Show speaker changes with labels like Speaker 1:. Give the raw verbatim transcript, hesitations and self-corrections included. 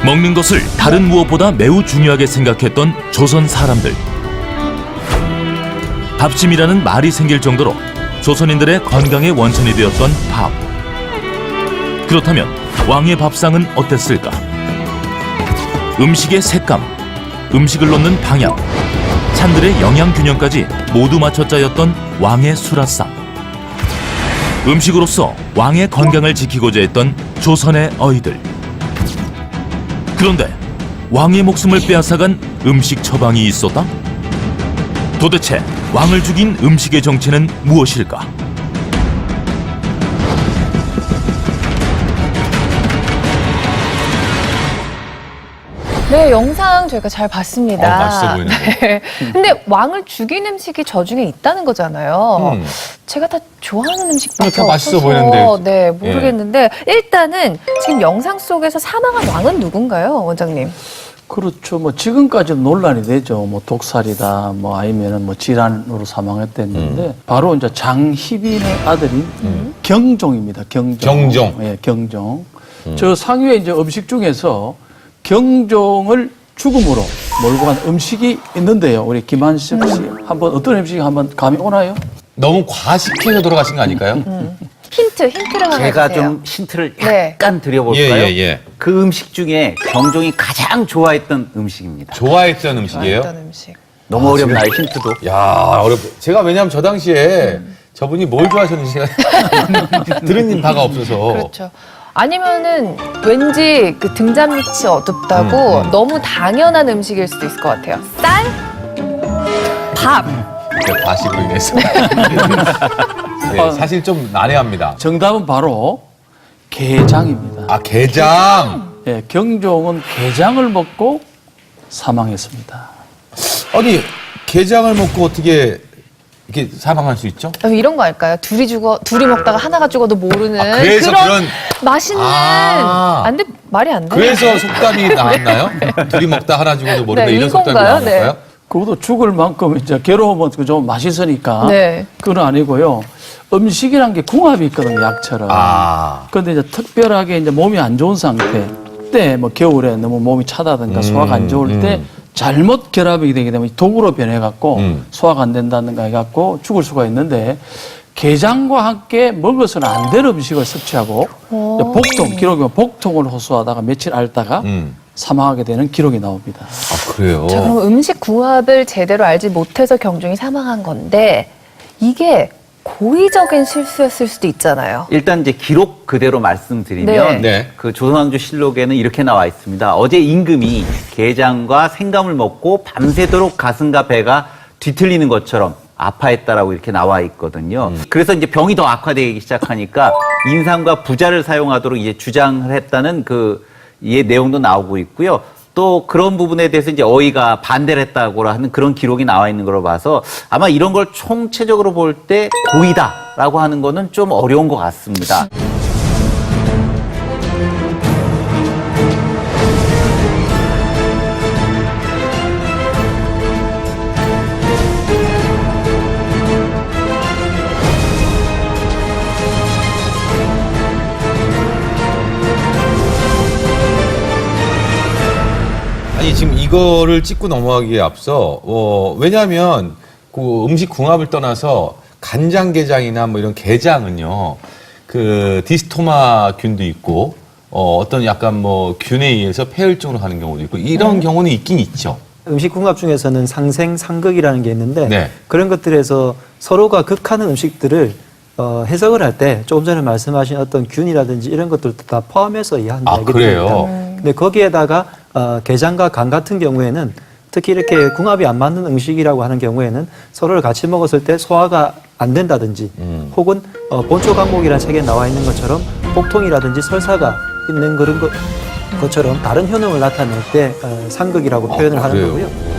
Speaker 1: 먹는 것을 다른 무엇보다 매우 중요하게 생각했던 조선 사람들. 밥심이라는 말이 생길 정도로 조선인들의 건강의 원천이 되었던 밥. 그렇다면 왕의 밥상은 어땠을까? 음식의 색감, 음식을 넣는 방향, 찬들의 영양 균형까지 모두 맞춰 짜였던 왕의 수라상. 음식으로서 왕의 건강을 지키고자 했던 조선의 어이들. 그런데 왕의 목숨을 빼앗아간 음식 처방이 있었다? 도대체 왕을 죽인 음식의 정체는 무엇일까?
Speaker 2: 네, 영상 저희가 잘 봤습니다.
Speaker 3: 어, 맛있어 보이는데.
Speaker 2: 네. 근데 왕을 죽인 음식이 저 중에 있다는 거잖아요.
Speaker 3: 음.
Speaker 2: 제가 다 좋아하는 음식밖에
Speaker 3: 다 맛있어
Speaker 2: 없어서
Speaker 3: 보이는데.
Speaker 2: 네, 모르겠는데 일단은 지금 영상 속에서 사망한 왕은 누군가요, 원장님?
Speaker 4: 그렇죠. 뭐 지금까지도 논란이 되죠. 뭐 독살이다, 뭐 아니면은 뭐 질환으로 사망했댔는데
Speaker 3: 음.
Speaker 4: 바로 이제 장희빈의 아들인 경종입니다. 경종.
Speaker 3: 경종.
Speaker 4: 예, 경종. 저 상위에 이제 음식 중에서 경종을 죽음으로 몰고 간 음식이 있는데요. 우리 김한식 씨 한번 어떤 음식이 한번 감이 오나요?
Speaker 3: 너무 과식해서 돌아가신 거 아닐까요?
Speaker 2: 힌트, 힌트를 하나
Speaker 5: 제가
Speaker 2: 주세요.
Speaker 5: 좀 힌트를
Speaker 2: 네.
Speaker 5: 약간 드려볼까요?
Speaker 3: 예, 예, 예.
Speaker 5: 그 음식 중에 경종이 가장 좋아했던 음식입니다.
Speaker 3: 좋아했던 음식이에요?
Speaker 2: 좋아했던 음식.
Speaker 5: 너무 어렵나요, 힌트도?
Speaker 3: 야, 어렵. 제가 왜냐면 저 당시에 저분이 뭘 좋아하셨는지 제가 들은 바가 없어서.
Speaker 2: 그렇죠. 아니면은 왠지 그 등잔 밑이 어둡다고
Speaker 3: 음, 음.
Speaker 2: 너무 당연한 음식일 수도 있을 것 같아요. 쌀, 밥.
Speaker 3: 그 과식으로 인해서. 네, 사실 좀 난해합니다.
Speaker 4: 정답은 바로 게장입니다.
Speaker 3: 아, 게장.
Speaker 4: 예, 경종은 게장을 먹고 사망했습니다.
Speaker 3: 아니, 게장을 먹고 어떻게 이렇게 사망할 수 있죠?
Speaker 2: 아, 이런 거 할까요? 둘이 죽어, 둘이 먹다가 하나가 죽어도 모르는
Speaker 3: 아, 그래서
Speaker 2: 그런,
Speaker 3: 그런-
Speaker 2: 맛있는.
Speaker 3: 아.
Speaker 2: 안 돼, 말이 안 돼.
Speaker 3: 그래서 속담이 나왔나요? 둘이 먹다 하나 죽어도 모른다
Speaker 2: 네,
Speaker 3: 이런 속담이
Speaker 2: 이건가요?
Speaker 3: 나온 건가요?
Speaker 4: 네. 그것도 죽을 만큼 이제 괴로우면 좀 맛있으니까
Speaker 2: 네.
Speaker 4: 그건 아니고요. 음식이란 게 궁합이 있거든요, 약처럼.
Speaker 3: 아.
Speaker 4: 그런데 이제 특별하게 이제 몸이 안 좋은 상태 때, 뭐 겨울에 너무 몸이 차다든가
Speaker 3: 음,
Speaker 4: 소화가 안 좋을 때
Speaker 3: 음.
Speaker 4: 잘못 결합이 되게 되면 독으로 변해갖고
Speaker 3: 음.
Speaker 4: 소화가 안 된다든가 해갖고 죽을 수가 있는데 게장과 함께 먹어서는 안 될 음식을 섭취하고
Speaker 2: 오.
Speaker 4: 복통, 기록이 보면 복통을 호소하다가 며칠 앓다가
Speaker 3: 음.
Speaker 4: 사망하게 되는 기록이 나옵니다.
Speaker 3: 아, 그래요?
Speaker 2: 자, 그럼 음식 궁합을 제대로 알지 못해서 경종이 사망한 건데 이게 고의적인 실수였을 수도 있잖아요.
Speaker 5: 일단 이제 기록 그대로 말씀드리면
Speaker 3: 네. 네.
Speaker 5: 그 조선왕조실록에는 이렇게 나와 있습니다. 어제 임금이 게장과 생감을 먹고 밤새도록 가슴과 배가 뒤틀리는 것처럼 아파했다라고 이렇게 나와 있거든요. 그래서 이제 병이 더 악화되기 시작하니까 인삼과 부자를 사용하도록 이제 주장을 했다는 그 이 내용도 나오고 있고요. 또 그런 부분에 대해서 이제 어이가 반대를 했다고 하는 그런 기록이 나와 있는 걸로 봐서 아마 이런 걸 총체적으로 볼 때 고의다라고 하는 거는 좀 어려운 것 같습니다.
Speaker 3: 아니 지금 이거를 찍고 넘어가기에 앞서 어, 왜냐하면 그 음식 궁합을 떠나서 간장게장이나 뭐 이런 게장은요 그 디스토마균도 있고 어, 어떤 약간 뭐 균에 의해서 폐혈증으로 가는 경우도 있고 이런 경우는 있긴 있죠.
Speaker 6: 음식 궁합 중에서는 상생, 상극이라는 게 있는데
Speaker 3: 네.
Speaker 6: 그런 것들에서 서로가 극하는 음식들을 어, 해석을 할 때 조금 전에 말씀하신 어떤 균이라든지 이런 것들도 다 포함해서 이해한다.
Speaker 3: 아, 그래요?
Speaker 6: 근데 거기에다가 어, 게장과 간 같은 경우에는 특히 이렇게 궁합이 안 맞는 음식이라고 하는 경우에는 서로를 같이 먹었을 때 소화가 안 된다든지
Speaker 3: 음.
Speaker 6: 혹은 어, 본초 강목이라는 책에 나와 있는 것처럼 복통이라든지 설사가 있는 그런 것, 것처럼 다른 효능을 나타낼 때 어, 상극이라고
Speaker 3: 아,
Speaker 6: 표현을 하는
Speaker 3: 그래요?
Speaker 6: 거고요.